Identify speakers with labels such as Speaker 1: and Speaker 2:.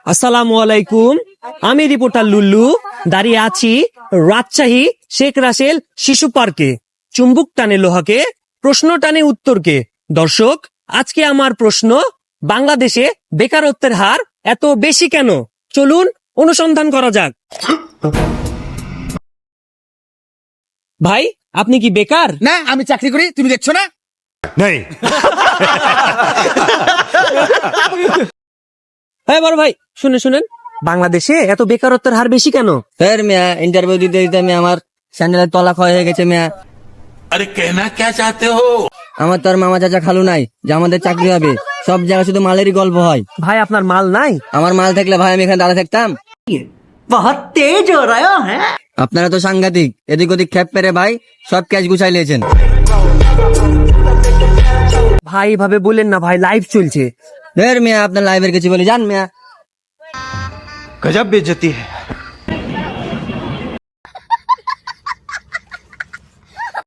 Speaker 1: আসসালামু আলাইকুম। আমি রিপোর্টার লুল্লু দাঁড়িয়ে আছি রাজশাহী শেখ রাসেল শিশু পার্কে। চুম্বুক টানে লোহাকে, প্রশ্ন টানে উত্তরকে। দর্শক, আজকে আমার প্রশ্ন, বাংলাদেশে বেকারত্বের হার এত বেশি কেন? চলুন অনুসন্ধান করা যাক। ভাই, আপনি কি বেকার?
Speaker 2: না, আমি চাকরি করি, তুমি দেখছো না?
Speaker 3: नहीं।
Speaker 1: হ্যাঁ বড় ভাই, শুনেন, বাংলাদেশে এত বেকারত্বের হার বেশি কেন?
Speaker 4: স্যার মিয়া ইন্টারভিউ দিতে দিতে আমি আমার স্যান্ডেলের তলা ক্ষয় হয়ে গেছে মিয়া।
Speaker 3: अरे कहना क्या चाहते हो?
Speaker 4: আমার তো আর মামা চাচা খালু নাই যে আমাদের চাকরি হবে। সব জায়গায় শুধু মালেরই গল্প হয়।
Speaker 1: ভাই, আপনার মাল নাই?
Speaker 4: আমার মাল থাকলে ভাই আমি এখানে দাঁড়া থাকতাম।
Speaker 5: बहुत तेज हो रहा है।
Speaker 4: আপনারা তো সাংঘাতিক, এদিক ওদিক খ্যাপ পেরে ভাই সব ক্যাশ গুছাই লিয়েছেন।
Speaker 1: ভাই এভাবে বলেন না ভাই, লাইভ চলছে।
Speaker 4: ধের মিয়া আপনার লাইভের কিছু বলে যান মিয়া।
Speaker 3: गजब बेइज्जती है।